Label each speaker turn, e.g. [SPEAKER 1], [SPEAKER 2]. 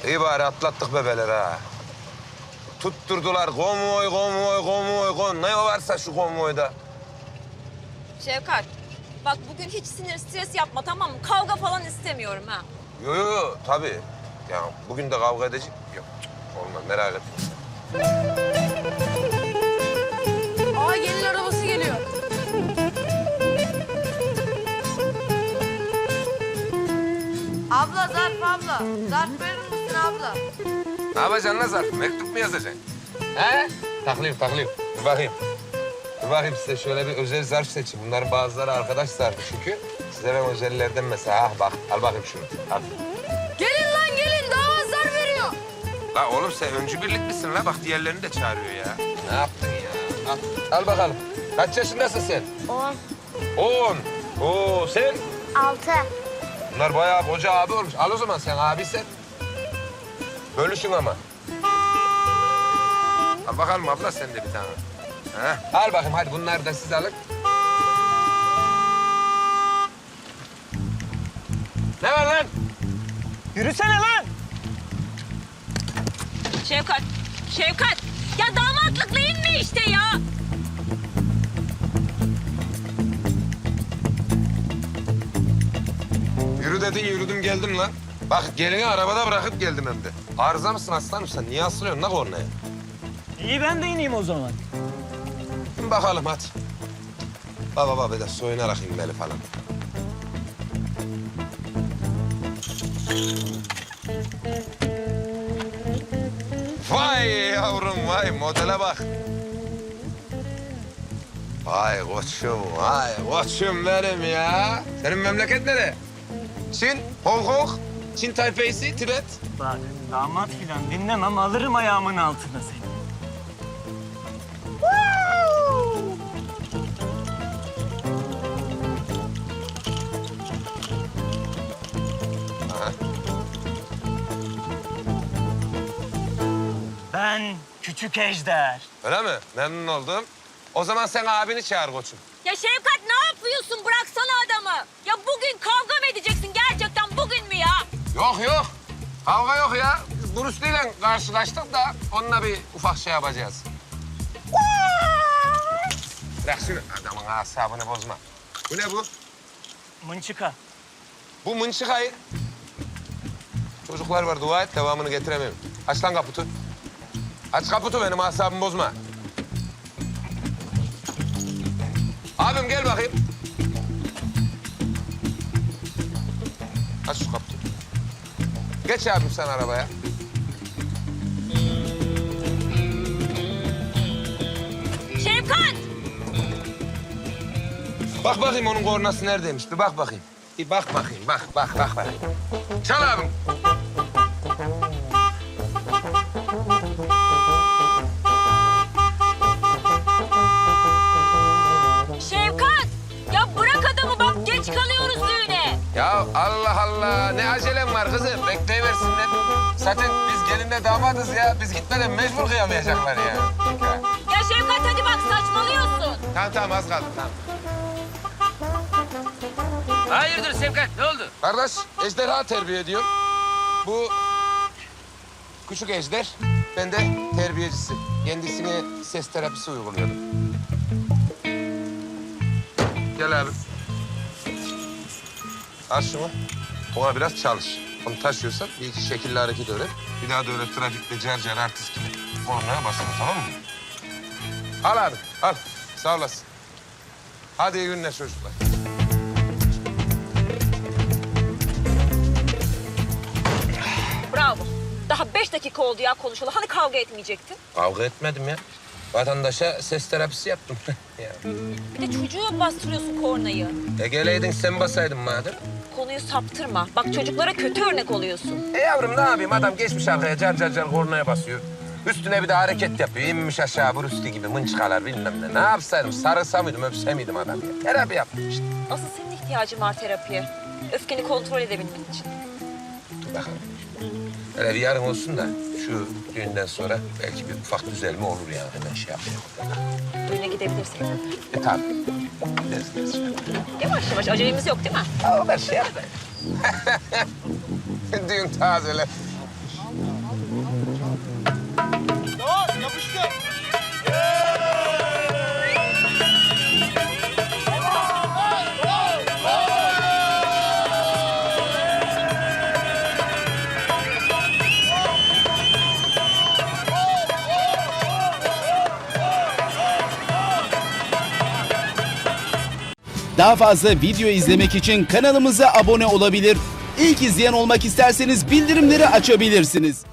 [SPEAKER 1] İyi bari atlattık bebeler ha. Tutturdular konvoy, konvoy, konvoy, konvoy. Ne varsa şu konvoyda.
[SPEAKER 2] Şevkat, bak bugün hiç sinir, stres yapma tamam mı? Kavga falan istemiyorum ha.
[SPEAKER 1] Yo yo yo tabii. Ya bugün de kavga edecek. Yok olmaz merak etme.
[SPEAKER 3] Aa gelin arabası geliyor. Abla zarf abla. Zarf verir misin abla?
[SPEAKER 1] Ne yapacaksın lan zarf? Mektup mu yazacaksın? He? Taklayayım. Dur bakayım. Dur bakayım size şöyle bir özel zarf seçin. Bunların bazıları arkadaş zarfı çünkü. Size ben özellerden mesela bak al bakayım şunu. Al.
[SPEAKER 3] Gelin lan gelin damat zarf veriyor.
[SPEAKER 1] La oğlum sen öncü birliklisin la. Bak diğerlerini de çağırıyor ya. Ne yaptın ya? Al bakalım. Kaç yaşındasın sen?
[SPEAKER 4] 10,
[SPEAKER 1] 10. Oo sen?
[SPEAKER 4] 6.
[SPEAKER 1] Bunlar bayağı koca abi olmuş. Al o zaman sen abisen. Bölüşün ama. Al bakalım abla sen de bir tane. Ha? Al bakayım hadi bunları da siz alın. Ne var lan?
[SPEAKER 5] Yürüsene lan!
[SPEAKER 2] Şevkat. Ya damatlık neyin mi işte ya?
[SPEAKER 1] Yürü dedin yürüdüm geldim lan. Bak gelini arabada bırakıp geldim hem de. Arıza mısın aslanım sen? Niye asılıyorsun lan kornaya?
[SPEAKER 5] İyi ben de ineyim o zaman.
[SPEAKER 1] İn bakalım hadi. Baba bir de soyunarak inmeli falan. Vay yavrum vay modele bak. Vay koçum benim ya. Senin memleket nere? Çin, Hong Kong, Çin Taipei'si, Tibet.
[SPEAKER 5] Bak damat filan dinlemem alırım ayağımın altına seni.
[SPEAKER 1] Aha.
[SPEAKER 5] Ben küçük ejder.
[SPEAKER 1] Öyle mi? Memnun oldum. O zaman sen abini çağır koçum.
[SPEAKER 2] Ya Şevkat ne yapıyorsun? Bıraksana adamı. Ya bugün kavga mı edeceksin gerçekten bugün mü ya?
[SPEAKER 1] Yok. Kavga yok ya. Biz Bruce Lee'yle karşılaştık da onunla bir ufak şey yapacağız. Bırak şunu. Adamın asabını bozma. Bu ne bu?
[SPEAKER 5] Mınçıka.
[SPEAKER 1] Bu mınçıkayı. Çocuklar var dua et devamını getiremem. Aç lan kaputu. Aç kaputu benim asabımı bozma. Abim gel bakayım. Aç şu kaputu. Geç abim sen arabaya.
[SPEAKER 2] Şevkat!
[SPEAKER 1] Bak bakayım onun kornası neredeymiş. Bir bak bakayım. Bir bak bakayım. Bak. Çal abim.
[SPEAKER 2] Şevkat! Ya bırak adamı bak geç kalıyoruz düğüne.
[SPEAKER 1] Ya Allah Allah. Ne acelem var kızım. Bekleyiversinler. Zaten biz gelinle damadız ya. Biz gitmeden mecbur kıyamayacaklar ya.
[SPEAKER 2] Ya Şevkat hadi bak saçmalıyorsun.
[SPEAKER 1] Tamam az kaldı tamam.
[SPEAKER 6] Hayırdır Sevkat, ne oldu?
[SPEAKER 1] Kardeş ejderha terbiye ediyorum. Bu küçük ejder. Ben de terbiyecisi. Kendisine ses terapisi uyguluyorum. Gel abi. Al şunu. Ona biraz çalış. Onu taşıyorsan bir iki şekilli hareket öğret. Bir daha da öyle trafikte car artist gibi kornaya basma tamam mı? Al abi al. Sağ olasın. Hadi iyi günler çocuklar.
[SPEAKER 2] Bravo. Daha 5 dakika oldu ya konuşalı. Hani kavga etmeyecektin?
[SPEAKER 1] Kavga etmedim ya. Vatandaşa ses terapisi yaptım. Ya.
[SPEAKER 2] Bir de çocuğa bastırıyorsun kornayı.
[SPEAKER 1] Geleydin sen basaydın madem.
[SPEAKER 2] Konuyu saptırma. Bak çocuklara kötü örnek oluyorsun.
[SPEAKER 1] Yavrum ne yapayım adam geçmiş arkaya car kornaya basıyor. Üstüne bir de hareket yapıyor. İnmiş aşağı Bruce Lee gibi mınçıkalar bilmem ne. Ne yapsaydım sarılsa mıydım öpse miydim adam ya. Terapi yaptım işte.
[SPEAKER 2] Asıl senin ihtiyacın var terapiye. Öfkeni kontrol edebilmen için.
[SPEAKER 1] Dur bakalım. Hele bir yarın olsun da şu düğünden sonra belki bir ufak düzelme olur yani. Hemen şey yapayım.
[SPEAKER 2] Düğüne gidebilirsin.
[SPEAKER 1] Tabii. Gideriz.
[SPEAKER 2] Yavaş yavaş acelemiz yok değil mi?
[SPEAKER 1] O kadar şey yapmayın. Düğün tazeler.
[SPEAKER 4] Daha fazla video izlemek için kanalımıza abone olabilir. İlk izleyen olmak isterseniz bildirimleri açabilirsiniz.